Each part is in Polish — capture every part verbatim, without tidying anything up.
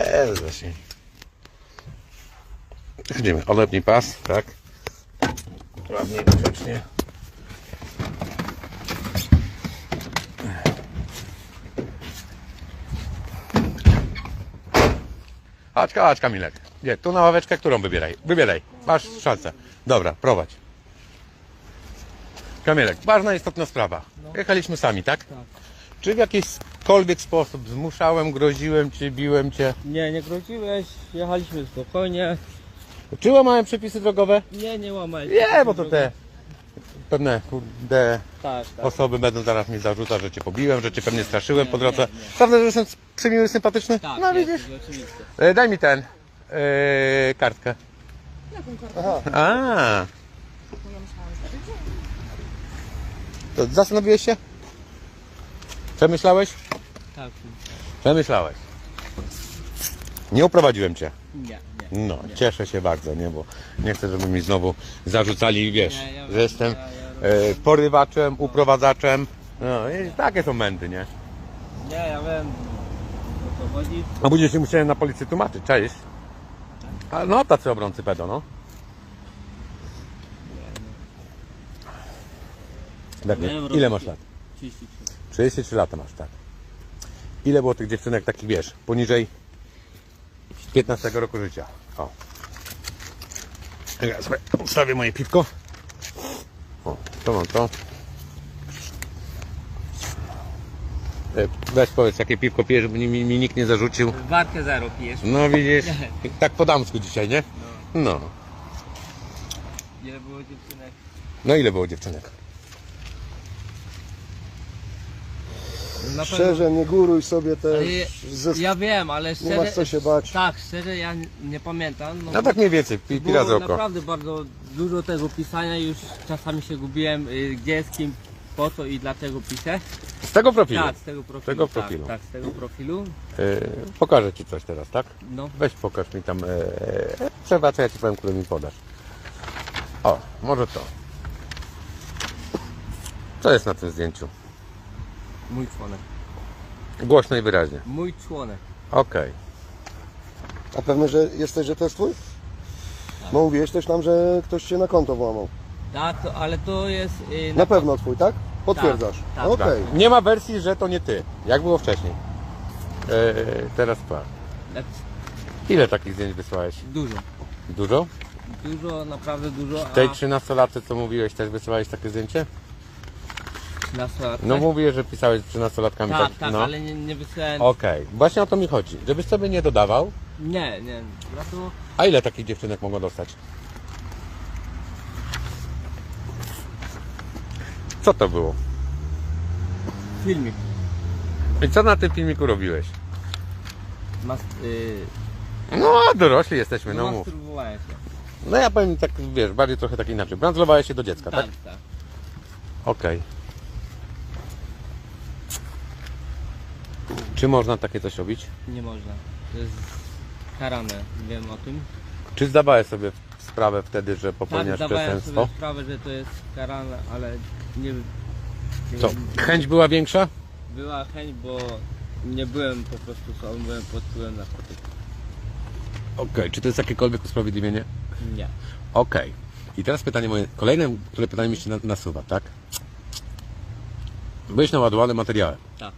Jest właśnie. Chodzimy, odepnij pas, tak? Ładnie, grzecznie. Chodź, chodź Kamilek. Gdzie? Tu na ławeczkę, którą wybieraj? Wybieraj, masz szansę. Dobra, prowadź. Kamilek, ważna, istotna sprawa. Jechaliśmy sami, tak? Tak. Czy w jakikolwiek sposób zmuszałem, groziłem Cię, biłem Cię? Nie, nie groziłeś, jechaliśmy spokojnie. Czy łamałem przepisy drogowe? Nie, nie łamałeś. Nie, bo to te pewne kurde Tak, tak. osoby będą zaraz mi zarzucać, że Cię pobiłem, że Cię pewnie straszyłem Nie, po drodze. nie, nie. Prawda, że jestem przymiły, sympatyczny? Tak, No jest, widzisz? jest, oczywiście. E, Daj mi ten, e, kartkę. Jaką kartę? A, Bo ja myślałam, że to zastanowiłeś się? Przemyślałeś? Tak. Przemyślałeś. Nie uprowadziłem Cię. Nie, nie. No, cieszę się bardzo, nie, bo nie chcę, żeby mi znowu zarzucali, wiesz, Nie, ja że wiem, jestem ja- ja e, porywaczem, uprowadzaczem. No i takie są mędy, nie? Nie, ja wiem o co chodzi. A później się musiałem na policji tłumaczyć, cześć. A no, tacy obrońcy pedo, no. Tak, Miałem ile robić- masz lat? trzydzieści trzy. trzydzieści trzy lata masz, tak. Ile było tych dziewczynek takich, wiesz, poniżej piętnastego roku życia? O. Ja sobie ustawię moje piwko. O, to mam to. E, Weź powiedz, jakie piwko pijesz, żeby mi, mi nikt nie zarzucił. Warkę zero pijesz. No widzisz, tak po damsku dzisiaj, nie? No. Ile było dziewczynek? No ile było dziewczynek? Na pewno- Szczerze, nie góruj sobie Ale też. Ze... ja wiem, ale szczerze... masz co się bać. Tak, szczerze ja nie, nie pamiętam. No tak mniej więcej, pi, pi Było razy oko. naprawdę bardzo dużo tego pisania, już czasami się gubiłem, y, gdzie, z kim, po co i dlaczego piszę. Z tego profilu. Tak, z tego profilu. tego tak, profilu. Tak, z tego profilu. E, pokażę Ci coś teraz, tak? No, Weź pokaż mi tam, e, przerwa, co ja Ci powiem, które mi podasz. O, może to. Co jest na tym zdjęciu? mój członek. Głośno i wyraźnie. Mój członek. Okej. A pewny, że jesteś, że to jest twój? Bo mówiłeś też nam, że ktoś się na konto włamał. Tak, to, ale to jest... y, Na pewno twój, tak? Potwierdzasz. tak, Okej. Tak. Nie ma wersji, że to nie Ty. Jak było wcześniej. E, teraz pa. tak, Ile takich zdjęć wysłałeś? Dużo. Dużo? Dużo, naprawdę dużo. A Tej trzynastolatce, co mówiłeś, też wysyłałeś takie zdjęcie? nastolatkę? No mówię, że pisałeś z trzynastolatkami. Tak, tak, no. ale nie, nie wysłałem... Okej, właśnie o to mi chodzi. Żebyś sobie nie dodawał. Nie, nie. Ja to... A ile takich dziewczynek mogą dostać? Co to było? Filmik. I co na tym filmiku robiłeś? Mas... Y, No, a dorośli jesteśmy, no mów. masturbowałem się. No ja powiem tak, wiesz, bardziej trochę tak inaczej. Brandzlowałeś się do dziecka, tak? Tak, tak. Okej. Czy można takie coś robić? Nie można. To jest karane, wiem o tym. Czy zdawałeś sobie sprawę wtedy, że Tak, popełniasz zdawałem przestępstwo? sobie sprawę, że to jest karane, ale nie... nie Co? Chęć była większa? Była chęć, bo nie byłem po prostu sobą, byłem pod wpływem narkotyków. Okej, czy to jest jakiekolwiek usprawiedliwienie? Nie. Okej. I teraz pytanie moje, kolejne, które pytanie mi się na- nasuwa, tak? Byłeś naładowany materiałem. Tak.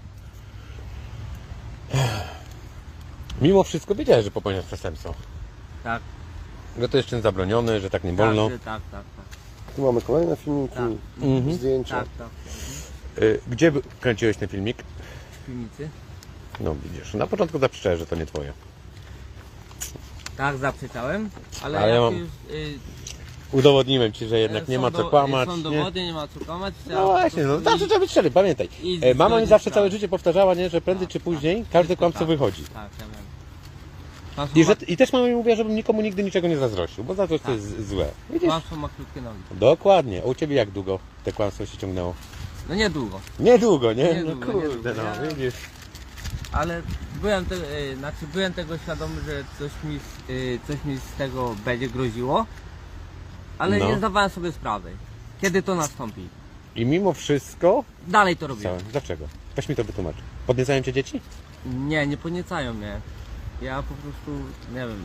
Mimo wszystko wiedziałeś, że popełniasz przestępstwo. Tak. Że to jest czyn zabroniony, że tak nie wolno. Tak, że tak, tak, tak. Tu mamy kolejne filmiki, Tak. Mhm. zdjęcia. Tak, tak. Y, Gdzie by- kręciłeś ten filmik? W piwnicy. No widzisz, na początku zaprzeczałeś, że to nie twoje. Tak, zaprzeczałem, ale, Ale jak ja mam- już... Y, Udowodniłem ci, że jednak są nie ma do- co kłamać. Są Nie? dowody, nie ma co kłamać. trzeba No po właśnie, no prostu zawsze iść- trzeba być szczery, pamiętaj. i E, Mama mi zgodzić zawsze sprawę. całe życie powtarzała, nie, że prędzej Tak, czy tak. później każdy Wszystko kłamca tak. wychodzi. Tak, ja wiem. Pan I, że, ma, I też mama mi mówiła, żebym nikomu nigdy niczego nie zazdrościł, bo zazdrość to Tak. jest złe. Widzisz? kłamstwo ma krótkie nogi. Dokładnie. A u ciebie jak długo te kłamstwo się ciągnęło? No niedługo, Niedługo, nie? Niedługo, no kurde, niedługo. no Ja- widzisz. ale byłem, te, y, znaczy byłem tego świadomy, że coś mi, z- y, coś mi z tego będzie groziło, ale No. nie zdawałem sobie sprawy, kiedy to nastąpi. I mimo wszystko... Dalej to robiłem. Całe. Dlaczego? Weź mi to wytłumacz. Podniecają cię dzieci? Nie, nie podniecają mnie. ja po prostu, nie wiem,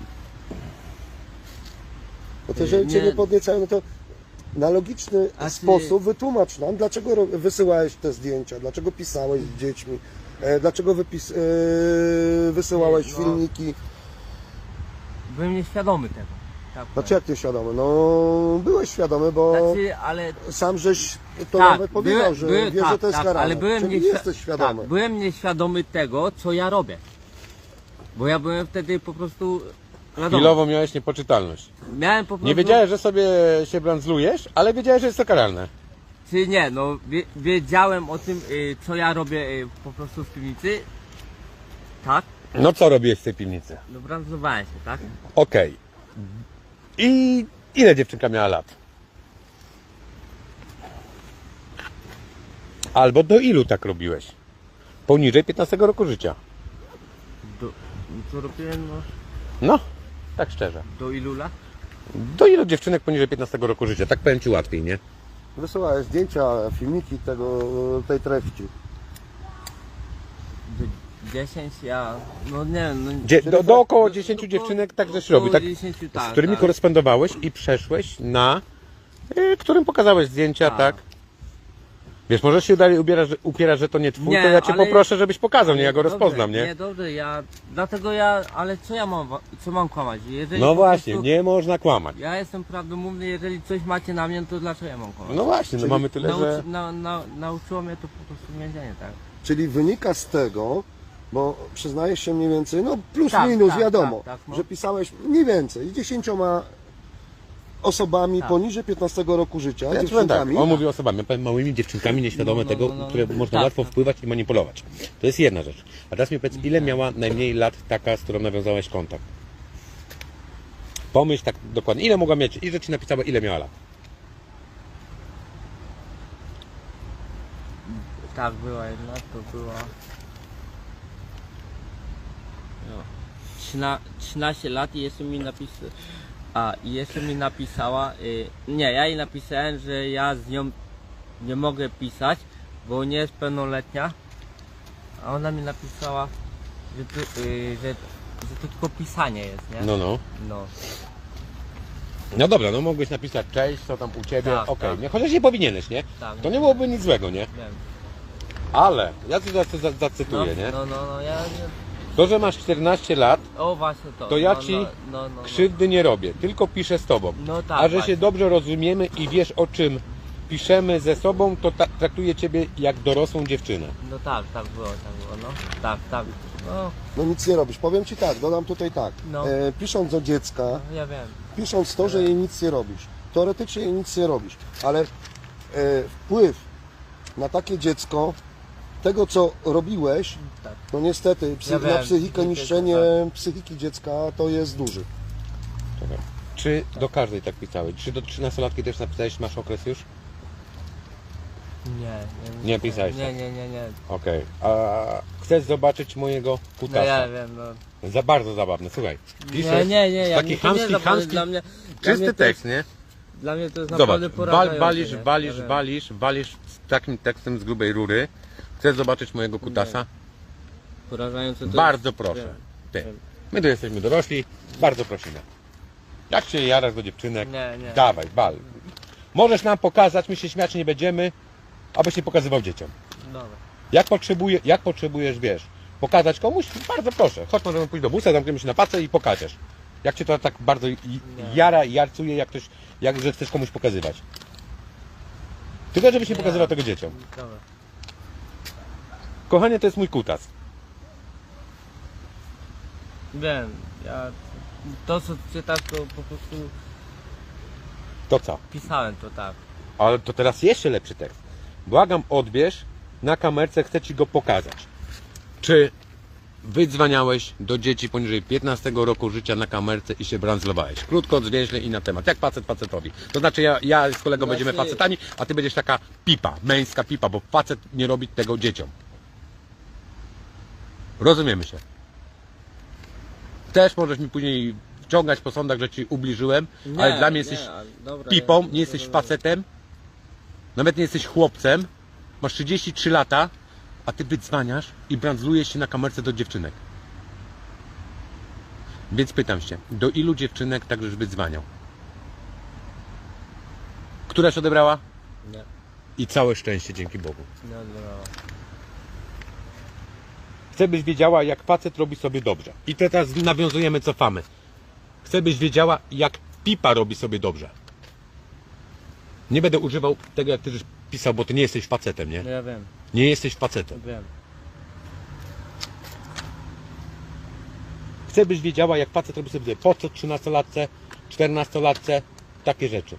Bo to, że cię Nie. nie podniecają, no to na logiczny A ty- sposób wytłumacz nam, dlaczego ro- wysyłałeś te zdjęcia, dlaczego pisałeś z dziećmi, e, dlaczego wypis, e, wysyłałeś Nie, no. filmiki. byłem nieświadomy tego. Tak Znaczy jak ty świadomy? No byłeś świadomy, bo Znaczy, ale sam żeś to tak, nawet powiedział, byłem- że byłem- wiesz, tak, że to jest tak, karane. ale byłem Czyli nieświ- jesteś świadomy. Tak, byłem nieświadomy tego, co ja robię. Bo ja byłem wtedy po prostu. Wiadomo, Chwilowo miałeś niepoczytalność. miałem po prostu. Nie wiedziałeś, że sobie się brandzlujesz, ale wiedziałeś, że jest to karalne. Czy nie, no wie, wiedziałem o tym, y, co ja robię y, po prostu w piwnicy. Tak, No co robiłeś w tej piwnicy? no brandzlowałem się, tak? Okej. I ile dziewczynka miała lat? Albo do ilu tak robiłeś? Poniżej piętnastego roku życia. Do, co robiłem, no, No, tak szczerze. do ilu lat? Do ilu dziewczynek poniżej piętnastego roku życia? Tak powiem ci łatwiej, nie? Wysyłałeś zdjęcia, filmiki tego, tej treści. Do dziesięć, ja, no nie wiem, no, Dzie- do, do około dziesięciu do- dziewczynek tak żeś około robił, tak? dziesięciu, Z tak, którymi tak. korespondowałeś i przeszłeś na... Y, którym pokazałeś zdjęcia, Tak. tak? Wiesz, możesz się dalej upierać, że, upierać, że to nie twój, Nie, to ja cię ale- poproszę, żebyś pokazał, nie? Ja go Dobrze, rozpoznam, Nie, nie? dobrze, ja, dlatego ja, ale co ja mam, wa- co mam kłamać? Jeżeli No po właśnie, prostu- nie można kłamać. Ja jestem prawdomówny, jeżeli coś macie na mnie, to dlaczego ja mam kłamać? No właśnie, no Czyli mamy tyle, Nauczy, że... na, na, nauczyło mnie to po prostu więzienie, tak? Czyli wynika z tego, bo przyznajesz się mniej więcej, no plus Tak, minus tak, wiadomo, tak, tak, no. że pisałeś mniej więcej z dziesięcioma osobami Tak. poniżej piętnastego roku życia, Ja ci powiem tak, dziewczynkami. on mówi osobami, ja powiem małymi dziewczynkami nieświadome No, no, tego, no, no, które no. można Tak, łatwo tak. wpływać i manipulować. To jest jedna rzecz. A teraz mi powiedz, ile miała najmniej lat taka, z którą nawiązałeś kontakt? Pomyśl tak dokładnie, ile mogła mieć, i że ci napisała, ile miała lat. Tak, była jedna, to była... No. Trzyna, trzynaście lat i jeszcze mi napisała... A, i jeszcze mi napisała... Y, nie, ja jej napisałem, że ja z nią nie mogę pisać, bo nie jest pełnoletnia. A ona mi napisała, że to, y, że, że to tylko pisanie jest, nie? No, no. No. No dobra, no mogłeś napisać cześć, co tam u ciebie, Tak, okej, tak. nie? Chociaż nie powinieneś, nie? Tak, To nie byłoby nic złego, nie? Wiem. Ale, ja ci zacy- za- No, zacytuję, nie? no, no, no, ja... nie- To, że masz czternaście lat, O, właśnie to. to ja no, ci no, no, no, no. krzywdy nie robię, tylko piszę z tobą. No tak, A że właśnie. się dobrze rozumiemy i wiesz, o czym piszemy ze sobą, to ta- traktuję ciebie jak dorosłą dziewczynę. No tak, tak było, tak było, no. Tak, tak. No, No nic nie robisz. Powiem Ci tak, dodam tutaj tak. No. E, pisząc do dziecka, ja wiem. pisząc to, że jej nic nie robisz. Teoretycznie jej nic nie robisz, ale e, wpływ na takie dziecko, tego co robiłeś, Tak. no niestety psy, Ja na wiem, psychikę, psychikę, niszczenie psychiki dziecka to jest duży. Czekaj. Czy do każdej tak pisałeś? Czy do trzynastolatki też napisałeś, masz okres już? Nie, nie, Nie pisałeś Nie, tak. nie, nie, nie. Okej. A chcesz zobaczyć mojego No kutasa? ja wiem, no. Za bardzo zabawne, słuchaj. Nie, Piszesz nie, nie, ja taki mnie to nie chamski, zabawne, chamski, dla mnie, dla czysty mnie to tekst, jest, nie? Dla mnie to jest Zobacz, naprawdę wal, porażające, walisz, nie? walisz, Ja wiem. walisz, walisz z takim tekstem z grubej rury. Chcesz zobaczyć mojego kutasa? Porażające to Bardzo jest, proszę. wiem, Ty. wiem. My tu jesteśmy dorośli, bardzo prosimy. Jak się jarasz do dziewczynek, Nie, nie. dawaj, bal. Możesz nam pokazać, my się śmiać nie będziemy, abyś nie pokazywał dzieciom. Dobra. Jak, potrzebuje, jak potrzebujesz, wiesz, pokazać komuś, bardzo proszę. Chodź, możemy pójść do busa, zamkniemy się na pacę i pokażesz. Jak cię to tak bardzo i- jara i jarcuje, jak ktoś, jak, że chcesz komuś pokazywać. Tylko żebyś nie Nie. pokazywał tego dzieciom. Dobra. Kochanie, to jest mój kutas. Wiem, ja... To co czytasz, to po prostu To co? pisałem to tak. Ale to teraz jeszcze lepszy tekst. Błagam, odbierz, na kamerce chcę ci go pokazać. Czy wydzwaniałeś do dzieci poniżej piętnastego roku życia na kamerce i się brandzlowałeś? Krótko, zwięźle i na temat. Jak facet facetowi. To znaczy ja, ja z kolegą Znaczy- będziemy facetami, a ty będziesz taka pipa, męska pipa, bo facet nie robi tego dzieciom. Rozumiemy się. Też możesz mi później wciągać po sądach, że ci ubliżyłem, ale dla mnie jesteś nie, ale dobra, pipą, ja- nie jesteś facetem, nawet nie jesteś chłopcem, masz trzydzieści trzy lata, a ty wydzwaniasz i brandzlujesz się na kamerce do dziewczynek. Więc pytam się, do ilu dziewczynek tak żeś wydzwaniał? Któraś odebrała? Nie, I całe szczęście, dzięki Bogu. nie odbierała. Chcę, byś wiedziała, jak facet robi sobie dobrze. I teraz nawiązujemy, cofamy. Chcę, byś wiedziała, jak pipa robi sobie dobrze. Nie będę używał tego, jak ty żeś pisał, bo ty nie jesteś facetem, nie? No ja wiem, Nie jesteś facetem. wiem. Chcę, byś wiedziała, jak facet robi sobie po co trzynastolatce, czternastolatce, takie rzeczy.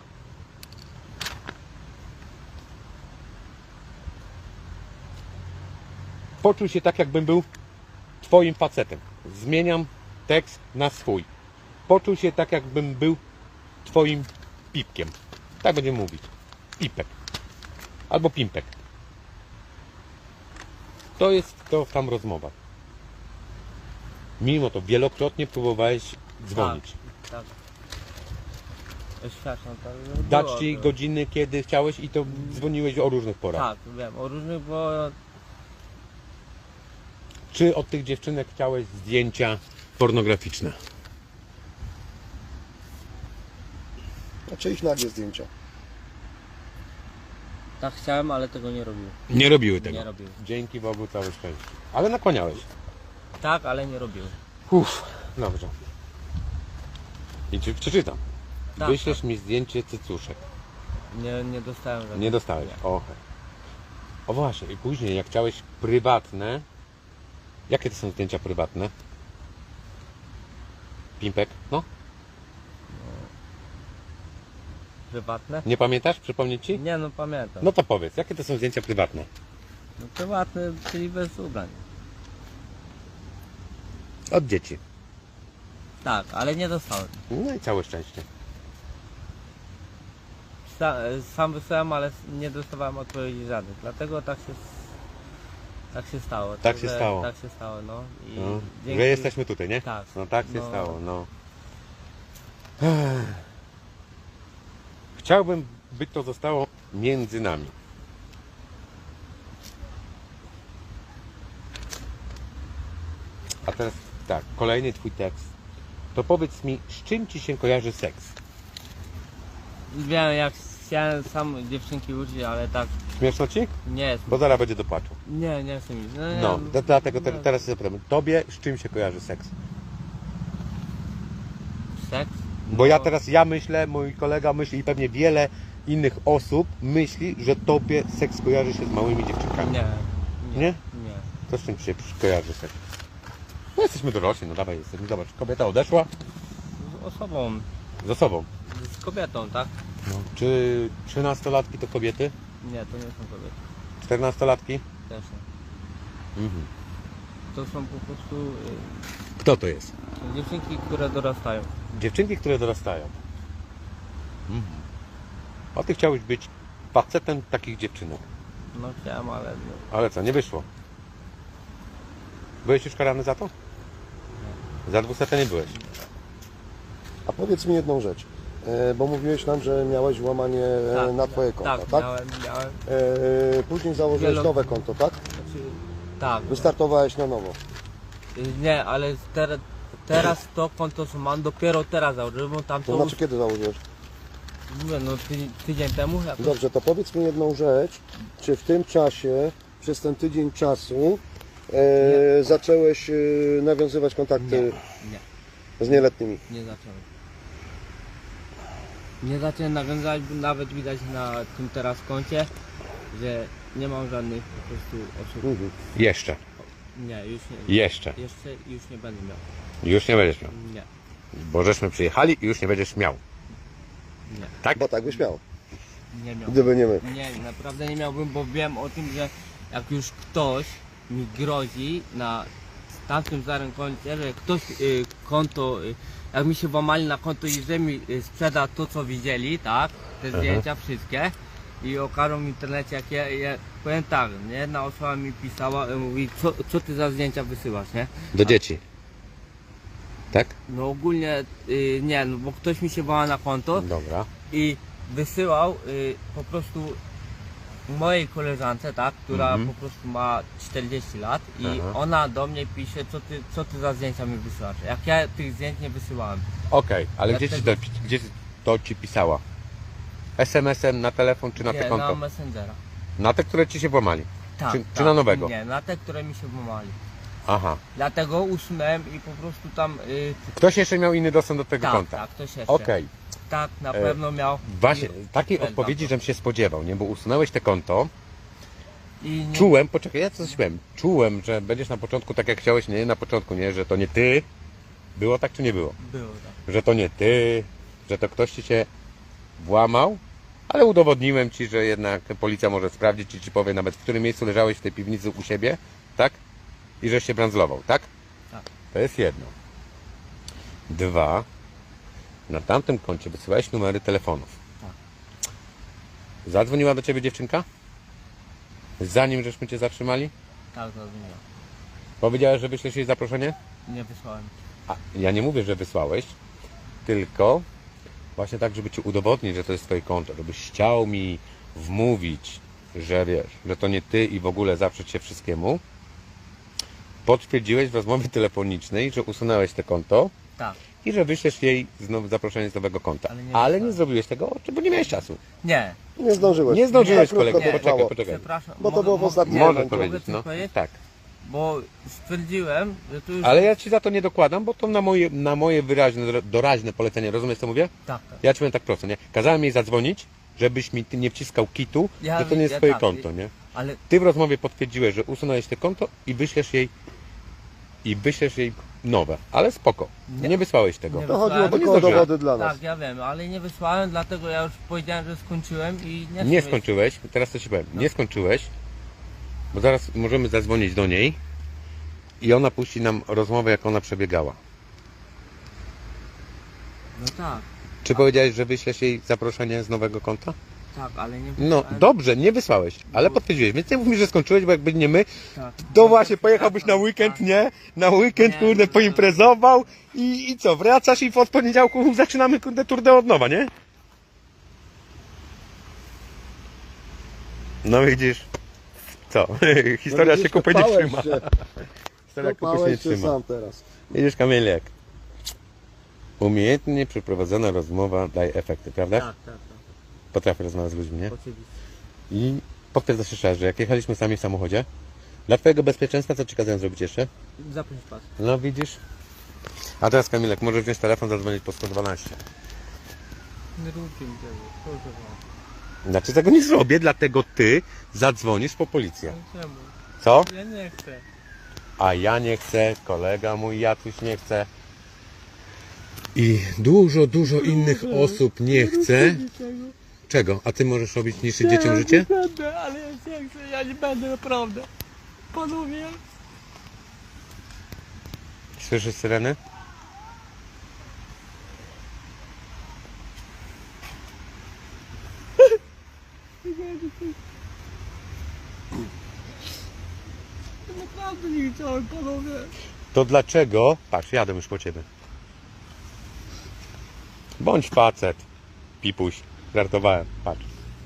Poczuj się tak, jakbym był twoim facetem. Zmieniam tekst na swój. Poczuj się tak, jakbym był twoim pipkiem. Tak będziemy mówić. Pipek. Albo pimpek. To jest to tam rozmowa. Mimo to wielokrotnie próbowałeś dzwonić. Tak, tak. Oświadczam, tak. że Dać było, ci było. godziny, kiedy chciałeś i to dzwoniłeś o różnych porach. Tak, wiem, o różnych, bo Czy od tych dziewczynek chciałeś zdjęcia pornograficzne? Znaczy ich nagie zdjęcia. tak chciałem, ale tego nie robił. Nie robiły tego. Nie robił. Dzięki Bogu, całe szczęście. Ale nakłaniałeś. Tak, ale nie robił. Uff, dobrze. I czy przeczytam. Tak, Wyślesz mi zdjęcie cycuszek. Nie, nie dostałem żadnego. Nie dostałeś. Nie. O, o właśnie, i później jak chciałeś prywatne. Jakie to są zdjęcia prywatne? Pimpek? No? Prywatne? Nie pamiętasz? Przypomnieć ci? Nie, no pamiętam. No to powiedz, jakie to są zdjęcia prywatne? No, prywatne, czyli bez ubrań. Od dzieci. Tak, ale nie dostałem. No i całe szczęście. Sa, sam wysłałem, ale nie dostawałem odpowiedzi żadnych. Dlatego tak się, tak się stało. Tak się Także stało. Tak się stało, no. I No, dzięki- że jesteśmy tutaj, nie? Tak. No tak się No. stało, no. Chciałbym, by to zostało między nami. A teraz tak, kolejny twój tekst. To powiedz mi, z czym ci się kojarzy seks? Wiem, jak chciałem sam dziewczynki uczyć, ale tak Śmieszno ci? nie jest. Bo zaraz będzie do płaczu. Nie, nie chcę mi. No, nie, No, to dlatego te, no, teraz się zapytam. Tobie z czym się kojarzy seks? Seks? Bo ja No, teraz, ja myślę, mój kolega myśli i pewnie wiele innych osób myśli, że tobie seks kojarzy się z małymi dziewczynkami. Nie. Nie? Nie. To z czym ci się kojarzy seks? No jesteśmy dorośli, no dawaj, jesteśmy. Zobacz, kobieta odeszła Z osobą, z osobą. z kobietą, tak? No. Czy trzynastolatki to kobiety? Nie, to nie są kobiety. czternastolatki? Też nie. Mhm. To są po prostu y, Kto to jest? są dziewczynki, które dorastają. Dziewczynki, które dorastają. Mhm. A ty chciałeś być facetem takich dziewczynek. No chciałem, ale no, Ale co, nie wyszło? Byłeś już karany za to? Za dwusetę nie byłeś. A powiedz mi jedną rzecz, e, bo mówiłeś nam, że miałeś włamanie e, tak, na twoje konto, tak? tak? Miałem, miałem. E, później założyłeś Wielo- nowe konto, tak? Znaczy, tak. Wystartowałeś na nowo. Y, Nie, ale ter, teraz to konto, co mam, dopiero teraz założyłem, bo tam To to znaczy już, kiedy założyłeś? mówię, no ty, tydzień temu. Jakoś, Dobrze, to powiedz mi jedną rzecz, czy w tym czasie, przez ten tydzień czasu e, zacząłeś e, nawiązywać kontakty Nie, z nieletnimi? nie zacząłem. Nie zacząłem nawiązać, bo nawet widać na tym teraz koncie, że nie mam żadnych po prostu osób. Mhm. Jeszcze. Nie, już nie. Jeszcze. Jeszcze już nie będę miał. Już nie będziesz miał. Nie, Bo żeśmy przyjechali i już nie będziesz miał. nie, Tak? Bo tak byś miał, nie miał. gdyby nie my. Nie, naprawdę nie miałbym, bo wiem o tym, że jak już ktoś mi grozi na tamtym starym koncie, że ktoś y, konto, y, jak mi się włamali na konto i że mi y, sprzeda to, co widzieli, tak, te zdjęcia wszystkie i okażą w internecie, jak ja, ja powiem tak, nie, jedna osoba mi pisała, y, mówi, co, co ty za zdjęcia wysyłasz, nie? Do dzieci. Tak? No ogólnie y, nie, no bo ktoś mi się włama na konto Dobra. i wysyłał y, po prostu mojej koleżance, tak, która Mhm. po prostu ma czterdzieści lat i Aha. ona do mnie pisze, co ty, co ty za zdjęcia mi wysyłasz. Jak ja tych zdjęć nie wysyłałem. Okej, ale gdzie ci, to, Dlatego- gdzie to ci pisała? es em esem na telefon czy na te Nie, konto? na Messengera. Na te, które ci się włamali? Tak, Czy, tak, czy na nowego? Nie, na te, które mi się włamali. Aha. Dlatego usunąłem i po prostu tam... Y, Ktoś jeszcze miał inny dostęp do tego tak, konta? tak, ktoś jeszcze. Okej. Tak, na E, pewno miał. Właśnie, I- takiej i- odpowiedzi, żem się spodziewał, nie? Bo usunąłeś te konto, I nie, czułem, poczekaj, ja coś powiem, czułem, że będziesz na początku tak jak chciałeś, nie? Na początku, nie? Że to nie ty. Było tak czy nie było? Było tak. Że to nie ty, że to ktoś ci się włamał, ale udowodniłem ci, że jednak policja może sprawdzić i ci powie nawet, w którym miejscu leżałeś w tej piwnicy u siebie, tak? I żeś się brandzlował, tak? Tak. To jest jedno. Dwa, na tamtym koncie wysyłałeś numery telefonów. Tak. Zadzwoniła do ciebie dziewczynka? Zanim żeśmy cię zatrzymali? Tak, zrozumiałem. Powiedziałeś, że wyślesz jej zaproszenie? Nie wysłałem. A ja nie mówię, że wysłałeś, tylko właśnie tak, żeby ci udowodnić, że to jest twoje konto, żebyś chciał mi wmówić, że wiesz, że to nie ty i w ogóle zaprzeć się wszystkiemu. Potwierdziłeś w rozmowie telefonicznej, że usunąłeś te konto Tak. i że wyślesz jej znowu zaproszenie z nowego konta. Ale nie Ale nie wysłałem. zrobiłeś tego, bo nie miałeś czasu. Nie, Nie zdążyłeś. Nie zdążyłeś, Za krótko kolego, to poczekaj, trwało. poczekaj. przepraszam. Bo to mogę- było w mogę- ostatnim nie, Możesz momencie. mogę powiedzieć, coś no. powiedzieć? Tak. Bo stwierdziłem, że tu już... Ale ja ci za to nie dokładam, bo to na moje, na moje wyraźne, doraźne polecenie. Rozumiesz, co mówię? Tak, tak. Ja ci powiem tak prosto, nie? Kazałem jej zadzwonić, żebyś mi ty nie wciskał kitu, Ja że to nie jest ja twoje tak, konto, nie? Ale Ty w rozmowie potwierdziłeś, że usunąłeś te konto i wyślesz jej i wyślesz jej nowe, ale spoko. Nie, Nie. wysłałeś tego. Nie To chodziło Bo nie tylko o zdążyłem. dowody dla nas. tak, ja wiem, ale nie wysłałem, dlatego ja już powiedziałem, że skończyłem i nie Nie chcę skończyłeś, teraz to ci powiem, No. nie skończyłeś, bo zaraz możemy zadzwonić do niej i ona puści nam rozmowę, jak ona przebiegała. mieć- No tak, Czy powiedziałeś, że wyślesz jej zaproszenie z nowego konta? tak, ale nie No wysłałem. dobrze, nie wysłałeś, ale potwierdziłeś, więc nie mów mi, że skończyłeś, bo jakby nie my, Tak. to właśnie pojechałbyś na weekend, nie? Na weekend, Nie, kurde, no to- poimprezował i, i co, wracasz i od poniedziałku zaczynamy, kurde, turnę od nowa, nie? No widzisz, co, historia No się kupy nie kopałeś trzyma. się. Historia kupy się nie Kopałeś się trzyma. sam teraz. Widzisz, Kamilek, umiejętnie przeprowadzona rozmowa daje efekty, prawda? Tak, tak, tak, Potrafię rozmawiać z ludźmi, nie? oczywiście. I potwierdzasz jeszcze raz, że jak jechaliśmy sami w samochodzie, dla twojego bezpieczeństwa, co ci kazałem zrobić jeszcze? Zapisz pas. No widzisz. A teraz Kamilek, możesz wziąć telefon, zadzwonić po sto dwanaście. Nie róbcie mi tego, proszę was. Znaczy tego nie zrobię, dlatego ty zadzwonisz po policję. Czemu? Co? Ja nie chcę. A ja nie chcę, kolega mój Jacuś nie chce. I dużo, dużo innych osób nie chce. Czego? A ty możesz robić niszczyć dzieciom życie? Nie będę, ale ja nie chcę, ja nie będę naprawdę. Panowie, Słyszysz syreny? naprawdę nie chciałem, panowie. To dlaczego? Patrz, jadę już po ciebie. Bądź facet. Pipuś. Żartowałem. Patrz.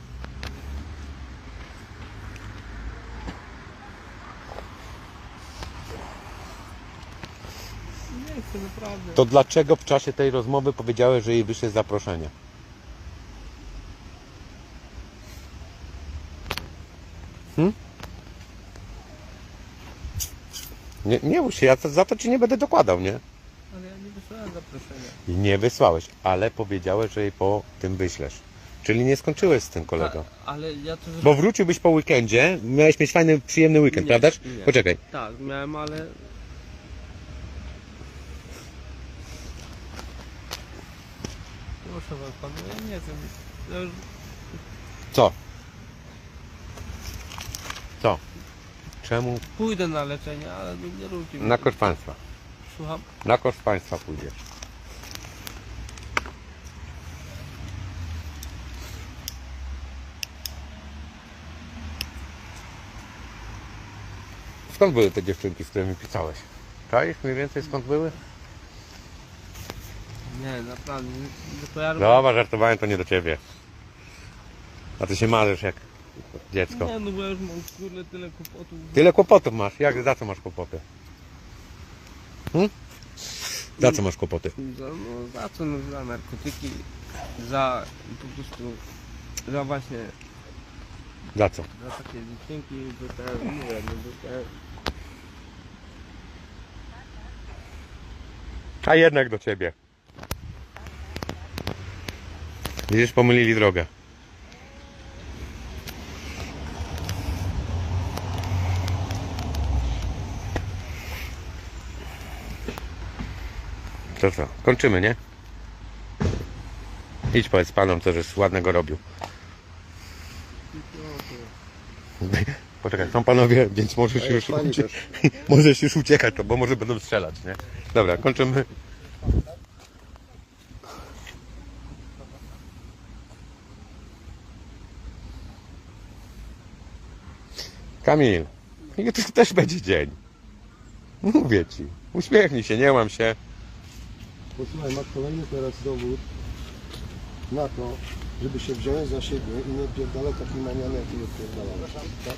Nie chcę, naprawdę. To dlaczego w czasie tej rozmowy powiedziałeś, że jej wyślesz zaproszenie? Hmm? Nie, nie mów się, ja to, za to ci nie będę dokładał, nie? Ale ja nie wysłałem zaproszenia. I nie wysłałeś, ale powiedziałeś, że jej po tym wyślesz. Czyli nie skończyłeś z tym kolego. A, ale ja to... Bo wróciłbyś po weekendzie, miałeś mieć fajny, przyjemny weekend, Nie, prawdaż? nie. Poczekaj. Tak, miałem, ale... Proszę was, panu, ja nie chcę. Ja już Co? Co? Czemu? pójdę na leczenie, ale nie, nie róbcie mi Na tego. koszt państwa. Słucham? Na koszt państwa pójdziesz. Skąd były te dziewczynki, z którymi pisałeś? Czaisz mniej więcej skąd były? Nie, naprawdę. Nie, nie kojarzę. Dobra, żartowałem, to nie do ciebie. A ty się marzysz jak dziecko? Nie, no bo ja już mam kurde tyle kłopotów. Tyle kłopotów masz. Jak, za co masz kłopoty? Hmm? Za co masz kłopoty? Za, no, za co? No, za narkotyki, za po prostu, za właśnie, Za co? za takie dziewczynki, że te, mówię, no, że te, A jednak do ciebie. Widzisz, pomylili drogę. To co? Kończymy, nie? Idź powiedz panom, co żeś ładnego robił. Poczekaj, są panowie, więc możesz A już, jest pani ucie- też. możesz już uciekać, to, bo może będą strzelać, nie? Dobra, kończymy. Kamil, jutro też będzie dzień. Mówię ci. Uśmiechnij się, nie łam się. Posłuchaj, masz kolejny teraz dowód na to, żeby się wziąć za siebie i nie odpierdalać takiej maniany, jak nie odpierdalałeś. Tak?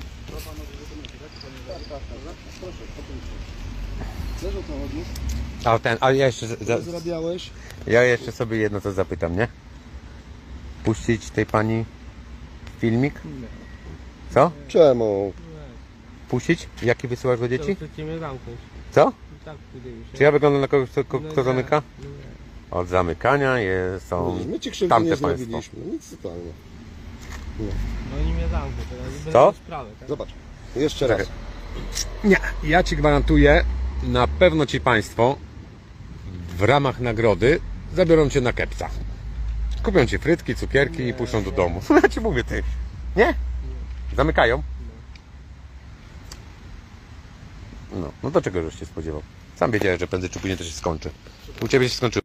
Wiesz, o co chodzi? A ten, a ja jeszcze, za, Co zarabiałeś? ja jeszcze sobie jedno co zapytam, nie? Puścić tej pani filmik? Co? Czemu? Puścić? Jaki wysyłasz do dzieci? to chcecie mnie zamknąć. Co? I tak wydaje mi się. Czy ja wyglądam na kogoś, kto, kto, No kto nie, zamyka? nie. Od zamykania jest, są My ci krzywdy tamte nie państwo. zrobiliśmy. Nic zupełnie. No oni mnie zamkną teraz. Będę Co? miał sprawę, tak? Zobacz. Jeszcze raz. Nie, ja ci gwarantuję, na pewno ci państwo w ramach nagrody zabiorą cię na kepca. Kupią ci frytki, cukierki i puszczą do domu. Ja ci mówię, ty. Nie? Zamykają? No, no to czego żeś się spodziewał? Sam wiedziałeś, że prędzej czy później to się skończy. U ciebie się skończyło.